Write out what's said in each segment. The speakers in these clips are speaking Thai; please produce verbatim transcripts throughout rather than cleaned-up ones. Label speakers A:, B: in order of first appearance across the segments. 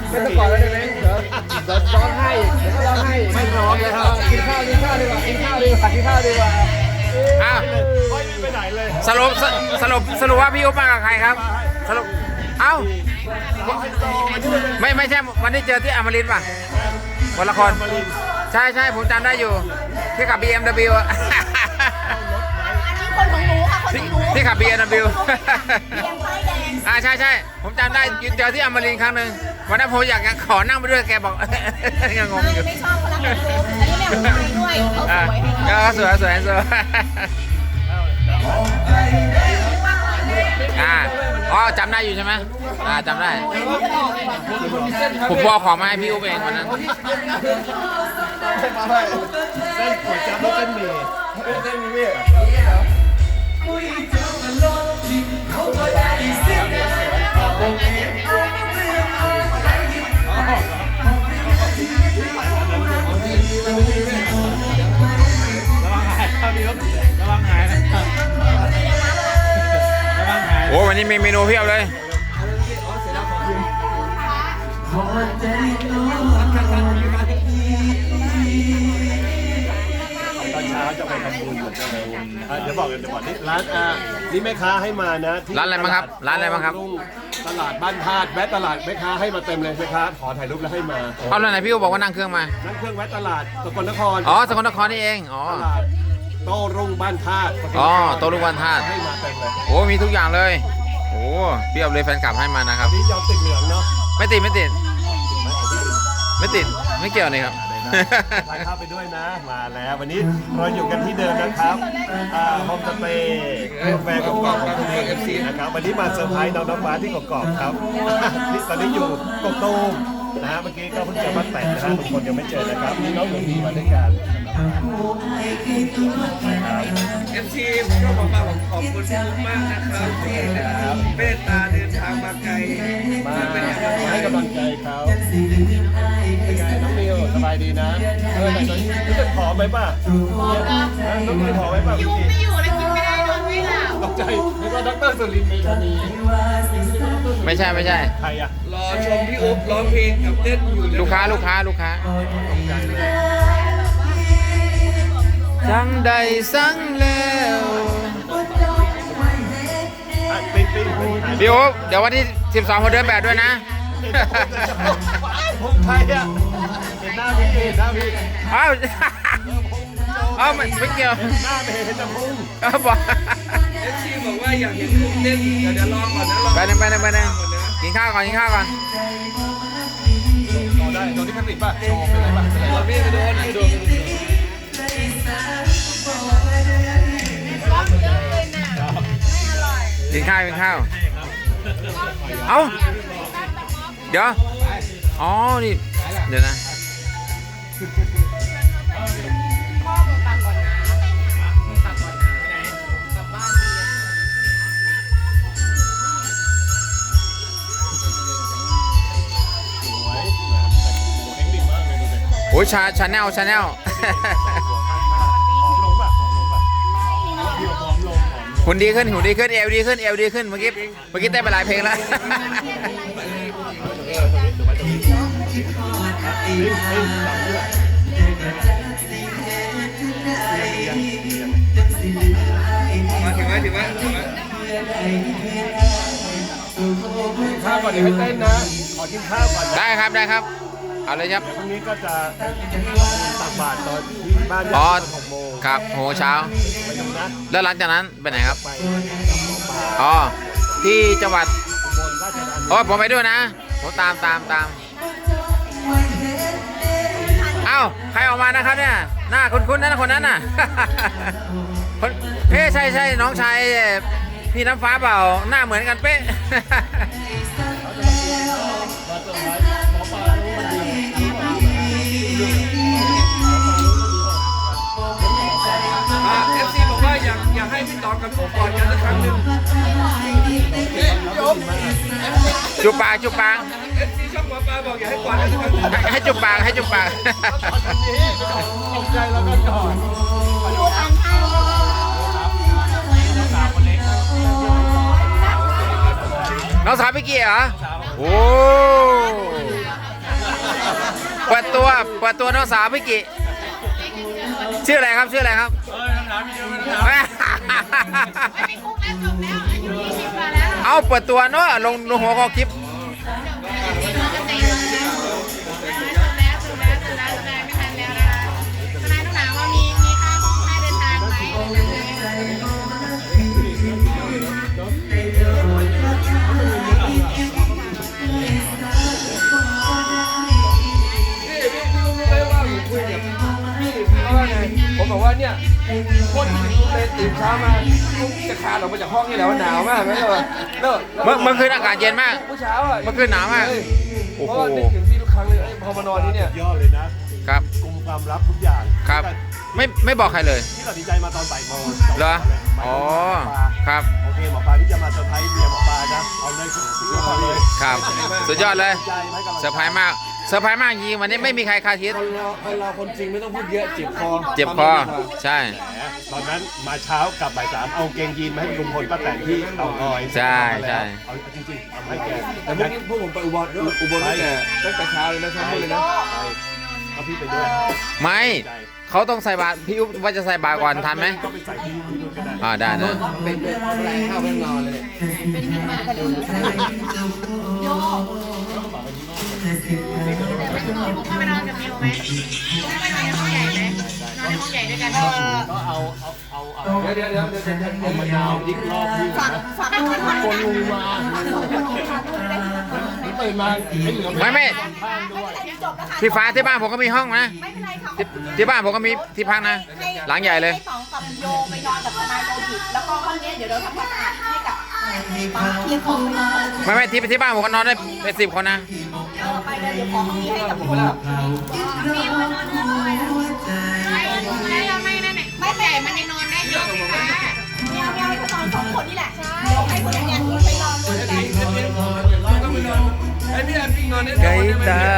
A: ไม่ต้องกอดแล้วได้ไหมเดี๋ยวเดี๋ยวร้องไห้เดี๋ยวร้องไห้ไม่ร้องเลยครับกินข้าวกินข้าวดีกว่ากินข้าวดีกว่ากินข้าวดีกว่า
B: อ้าว
A: ไม่ไปไหนเลย
B: สรุปสรุปสรุปว่าพี่อุ๊บมากับใครครับสรุปเอ้าไม่ไม่ใช่วันที่เจอที่อมรินทร์ป่ะวันละครใช่ใช่ผมจำได้อยู่ที่ขับ บี เอ็ม ดับเบิลยู
C: อันนี้คนของหนูค่ะคนของหนู
B: ที่ขับ บี เอ็ม ดับเบิลยู
C: เบียงไฟแดง
B: อ่าใช่ใช่ผมจำได้เจอที่อมรินทร์ครั้งหนึ่งวันนั้นผมอยากจะขอนั่งไปด้วยแกบอก ยังงง
C: ไม่
B: อยู่
C: ไม่ชอบคนละแบบรูปอันนี้แม่ของไทยด้วยเขาส
B: อ่า
C: วย
B: ก็สวยสวยสวยอ่าอ๋อจำได้อยู่ใช่ไหมอ่าจำได้ผมบอกของมาให้พี่อุ๊บเองวันนั้น
A: เส้นก๋วยจั๊บแล้วเส้นหมี่เส้นหมี่
B: โอ้วันนี้มีเมนูเพียบเลย
A: ตอนเช้าจะไปทำบุญเหมือนกันเดี๋ยวบอกกันเดี๋ยวบอกนี่ร้านอ่านี่แม่ค้าให้มานะ
B: ร้านอะไรบ้างครับร้านอะไรบ้างครับ
A: ตลาดบ้านธาตุแวะตลาดแม่ค้าให้มาเต็มเลยแม่ค้าขอถ่ายรูปแล้วให้มา
B: เอาแล้วไหนพี่อุ๊บบอกว่านั่งเครื่องมา
A: นั่งเครื่องแวะตลาดสกลนคร
B: อ๋อสกลนครนี่เองอ๋อ
A: ตลาดโต้รุ่งบ้านธาตุ
B: อ๋อโต้รุ่งบ้านธาตุ
A: ให้มาเต็มเลย
B: โอ้มีทุกอย่างเลยโอ้เพียบเลยแฟนคลับให้มานะครับ
A: นี่ยอมติดเหลืองเนาะ
B: ไม่ติดไม่ติดไม่ติดไม่เกี่ยวนี่ครับ
A: ถ่ายภาพไปด้วยนะมาแล้ววันนี้เราอยู่กันที่เดิมนะครับโฮมสเตย์กาแฟกรอบของคุณเอฟซีนะครับวันนี้มาเซอร์ไพรส์น้องน้ำฟ้าที่กรอบครับที่ตอนนี้อยู่กบตูมนะฮะเมื่อกี้ก็เพิ่งเจอบ้านแต่งนะฮะทุกคนยังไม่เจอนะครับนี่น้องหนูดีมาด้วยกัน
D: เอฟซีผมก็บอกว่าผมขอบคุณทุกมากนะครับที่เมตตาเดินทางมาไกล
A: มาให้กำลังใจเขาเป็นไงน้องมิวสบายดีนะเออแต่ตอนนี้รู้สึกผอมไหมป่ะน้องมิวผอมไหมป่ะ
C: ยุงไม่อยู่แล้วกินไม่ได้นอนไม่หลับ
A: ตกใจนึกว่าดรสุรินทร์เมธานี
B: ไม่ใช่ไม่ใช่
A: ใครอะ
D: รอชมพี่อุ๊บร้องเพลงกับเต้นอยู่
B: ลูกค้าลูกค้าลูกค้าจังใดสั่งแล้ว
A: ปิ๊งปิ๊ง
B: พี่อุ๊บเดี๋ยววันที่สิบสองเขาเดินแบบด้วยนะ
A: ผมใครอะเห็นหน้าพี่เห็นหน้าพี่
B: อ้าวอ้าวไม่เกี่ยว
A: หน้าไม่เห็นจะพุ่ง
B: อ้าวบอก
D: เอฟซีบอกว่าอยากเห็นอุ๊บเต้นเดี๋ยวเดี๋ยวรอก่อนนะรอ
B: ไปหนึ่งไปหนึ่งไปหนึ่งกินข้าวก่อนกินข้าวก่อน
A: โดนได้โดนที่คติป่ะโชว์เป็นไรป่ะเป็นไร
D: รอ
A: ป่ะ
D: พี่ไปโดนไปโดน
B: กินข้าวกินข้าวเอ้าเดี๋ยวอ๋อนี่เดี๋ยวนะโอ้ยชาชาแนลชาแนลหุ่นดีขึ้นหุ่นดีขึ้นเอวดีขึ้นเอวดีขึ้นเมื่อกี้เมื่อกี้เต้นไปหลายเพลงแล้ว
D: มาถึงไหมถึงไหมถึงไหม
A: ข้าวก่อนเดี๋ยวให้เต้นนะขอกินข้าวก่อนนะ
B: ได้ครับได้ครับเอาเลยครับ
A: พรุ่งนี้ก็จะตักบาตรตอนที่บ้าน
B: อ๋อ
A: หกโมง
B: ครับโหเช้า
A: ไปดูนะ
B: แล้วหลังจากนั้นไปไหนครับ
A: ไป
B: อ๋อที่จังหวัด
A: บนราชธานี
B: โอ้ผมไปด้วยนะผมตามตามตามเอ้าใครออกมานะครับเนี่ยหน้าคุ้นๆนะคนนั้นน่ะ คนเอ๊ะใช่ใช่น้องชายพี่น้ำฟ้าเปล่าหน้าเหมือนกันเป๊ะ
D: เอฟซีบอกว่าอยากอยากให้พี่ต๋องกับผมกอดกันสักครั้งหนึ่ง
B: จุบปากจุบปาก
D: เอฟซีช่องหมอปลาบอกอยากให้กอดกันสักครั้งหนึ่ง
B: ให้ให้จุบปากให้จุบปาก
A: ตกใจแล้วก็กอด
C: ดูทานข้าว
B: น้องสาวพี่เกียร์เหรอโอ้เปิดตัวเปิดตัวน้องสาวพี่กิชื่ออะไรครับชื่ออะไรครับ
D: เออคำถามมีเยอะไหมครับ
C: ไม่คุกแล้วจบแล้วอายุยี่สิบกว่าแล้ว
B: เอาเปิดตัวเนาะลงลงหัวข้อคลิป
C: จบแล้วจบแล้วจบแล้วจบแล้วจบแล้วจบแล้วไม่ทันแล้วนะคะทนายต้องถามว่ามีมีค่าห้องค่าเดินทางไหม
D: พี่พี่พี่รู้ไหมว่าผมคุยกับพี่พี่เขาว่าไงผมบอกว่าเนี่ยคนที่เลยตื่นเช้ามาจะคลานออกมาจากห้องนี่แหละว่าหนาวมากไหมล่ะแล้ว
B: เมื่อเมื่อคืนอากาศเย็นมาก
D: เมื่อเช้าอ่ะ
B: เมื่อคืนหนาวมาก
D: เฮ้ย
B: โอ้
D: เพ
B: โห
D: ราะว่านึกถึงพี่ทุกครั้งเลยเอ้ยพอมานอนที่เนี่ย
A: ยอดเลยนะครับ กลุ่มความลับทุกอย่าง
B: ครับ ไม่ไม่บอกใครเลย
A: ที่ตัดสินใจมาตอนบ่ายโมง
B: เหรออ๋อครับ
A: โอเคหมอปลาที่จะมาเซอร์ไพรส์เมียหมอปลานะเอาเลยสุดยอดเลย
B: ครับ สุดยอดเลย
A: ใจไหมกำลังใจ
B: เซอร์ไพรส์มากเซอร์ไพรส์มากจริงวันนี้ไม่มีใครคาดคิด
D: คนเราคนเราคนจริงไม่ต้องพูดเยอะเจ็บคอ
B: เจ็บคอใช่
A: แหมตอนนั้นมาเช้ากลับบ่ายสามเอาเกงยีนมาให้ลุงพลป้าแตนที่เต่างอย
B: ใช่ใช่
A: เอาจริงๆเอาให้แก
D: แต่เมื่อกี้พวกผมไปอุบลอุบลตั้งแต่ตั้งแต่เช้าเลยนะเช้ามืดเลยนะ
A: เอาพี่ไปด้วย
B: ไม่เขาต้องใส่บาตรพี่อุ๊บว่าจะใส่บาตรก่อนทันไหม
A: ก็ไปใส่ที่นู่นก็ได้
B: อ่าได้นะ
D: เป็นเป็นอะไรข้าวเป็นนอนเลย
C: โยไม่นอนกับมิวไหมไม่นอนในห้องใหญ่ไหมนอนในห้องใหญ่ด้วยกันเออ
A: ก็เอาเอาเอาเอา
D: เดี๋ยวเดี๋ยวเดี๋ยวเดี๋ยวเดี๋ยว
A: เอามะนาวดิกรอบพี่
C: ฝาก
A: นะ
C: ฝากคนคน
A: คนลุงมาตื่นมาไอ้เหลือ
B: ไม่ไม่
C: จบแล้วค่ะ
B: ที่ฟ้าที่บ้านผมก็มีห้องนะ
C: ไม่เป็นไรค่ะ
B: ที่ที่บ้านผมก็มีที่พักนะ หลังใหญ่เลย
C: ให้สองกับโยไปนอนกับทนายโลหิตแล้วก็ห้องนี้เดี๋ยวเราทำความสะอาดให้กับปาเทียงของไปนอน
B: ไม่ไม่ที่ที่บ้านผมก็นอนได้เป็นสิบคนนะ
C: เออไปเลยเดี๋ยวขอห้องนี้ให้กับคนแบบมีมานอนด้วยไม่ไม่เราไม่นั่นแหละไม่ใหญ่มันยังนอนได้เยอะไหมคะเมียวเมียวไปนอนสองคนนี่แหละเดี๋ยวให้คนนี้ไปนอนด้วยกัน
D: ต้องไปนอนไอ้พี่อันพี่นอนได้
B: ไก่ตา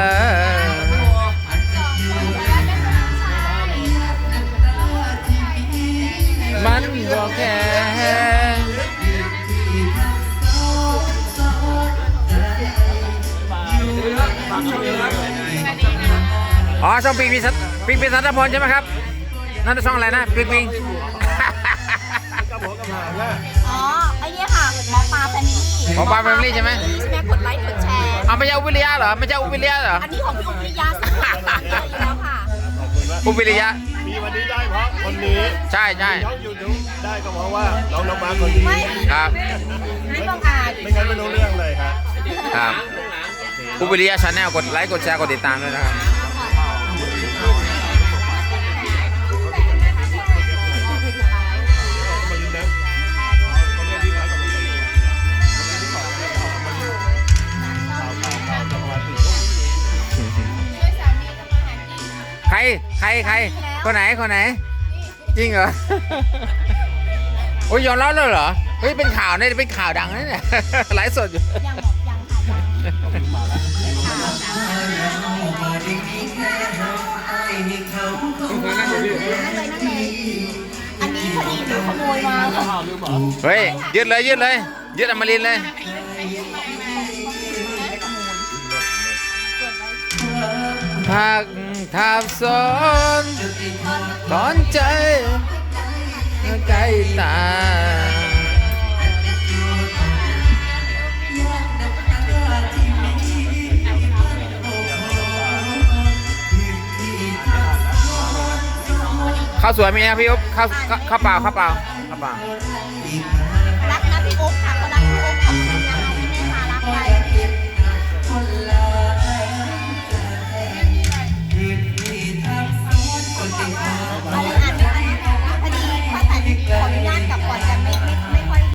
B: มันบอกแค่อ๋อช่องปิงปิงสัตปิงปิงสัตพลใช่ไหมครับ นั่นช่องอะไรนะปิงปิง
A: กับหัวกับหางอ่ะ
C: อ๋อไอ้เนี่ยค่ะหมอปลาแฟมิลี่
B: หมอปลา Family ใช่ไหม
C: ใช่ไหมกดไลค์กดแชร์
B: เอาไม่ใช่อุบิริยะเหรอไม่ใช่อุบิริยะเหรอ
C: อันนี้ของพี่อุปริยาสักหน่อยอยู่แล้วค่ะ
A: ขอบคุณมาก
B: อุบิริยะ
A: มีวันนี้ได้เพราะคนนี้
B: ใช่ใช่
A: น้องยูทูบได้ก็เพราะว่าน้องน้องมาคนนี้
C: ไม่
B: ครับ
C: ไม่ต้องอ่าน
A: ไม่งั้นไม่รู้เรื่องเลยครับ
B: ครับอุบิริยะชาแนลกดไลค์กดแชร์กดติดตามด้วยนะครับ
A: คนนี้นะคนนี้ที่ร้านกับพี่คนนี้ที่สองเนี่ยออกมาดูข่าวข่าวข่าวจังหวัดสี่ทุ่ม
B: ใครใครใครคนไหนคนไหน จริงเหรอ โอ้ยยอมรับเลยเหรอเฮ้ยเป็นข่าวเนี่ยเป็นข่าวดังนะเนี่ย ไลฟ์สดอยู่
C: ยังบอกยังค่ะนั่งเลยนั่งเลยอันนี้พอดีหนูขโมยมาค่ะ
A: ข่าวลืมเหรอ
B: เฮ้ยยืดเลยยืดเลยยืดอมรินทร์เลยพักทับซ้อนตอนใจใกล้ตาข้าวสวยมีนะพี่อุ๊บข้าวข้าวข้าวเปล่าข้าวเปล่าข้าวเปล่า
C: รักนะพี่อุ๊บค่ะเขารักพี่อุ๊บ